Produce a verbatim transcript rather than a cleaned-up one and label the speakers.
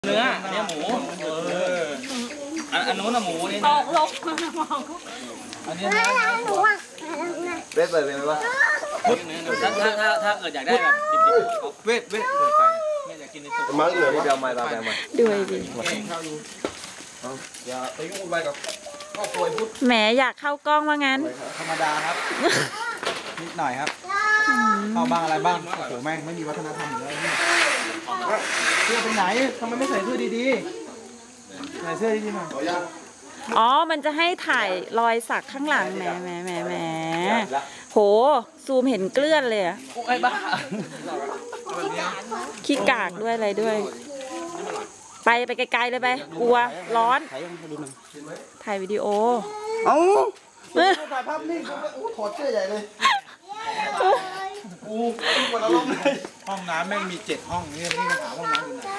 Speaker 1: เนื้ออันนี้หมูเอออันอันนู้นอะหมูนี่ตกลงมองอันนี้นะ
Speaker 2: เวทเปิดเป็นไหมวะ
Speaker 1: ถ้าถ้าถ้าถ้าเกิดอยากได้แบบดิบๆเวทเวทเปิดไฟไม่อยากกินในตัว
Speaker 2: มาเหลือว่าเดี๋ยวมาตามมา
Speaker 3: ด้วยดิ
Speaker 2: อย่าไปยุ่งไปกับครอบครัวพุทธ
Speaker 3: แหมอยากเข้ากล้องว่างั้น
Speaker 4: ธรรมดาครับนิดหน่อยครับเข้าบ้างอะไรบ้างโอ้โหแม่งไม่มีวัฒนธรรมเลยเสื้อไปไหนทำไมไม่ใส่เสื้อดีๆใส่เสื้อดีๆหน่อย
Speaker 3: อ๋อมันจะให้ถ่ายรอยสักข้างหลังแหมแหมแหมแหมโหซูมเห็นเกลื่อนเลยอะ
Speaker 1: ไอ้บ้า
Speaker 3: ขี้กากด้วยอะไรด้วยไปไปไกลๆเลยไปกลัวร้อนถ่ายวิดีโอ
Speaker 4: เอ้าถ่ายภาพนิ่งถอดเสื้อใหญ่เลยกูปวดอารมณ์เลยห้องน้ำแม่งมีเจ็ดห้องนี่นี่มาถามห้องน้ำอยู่ไหน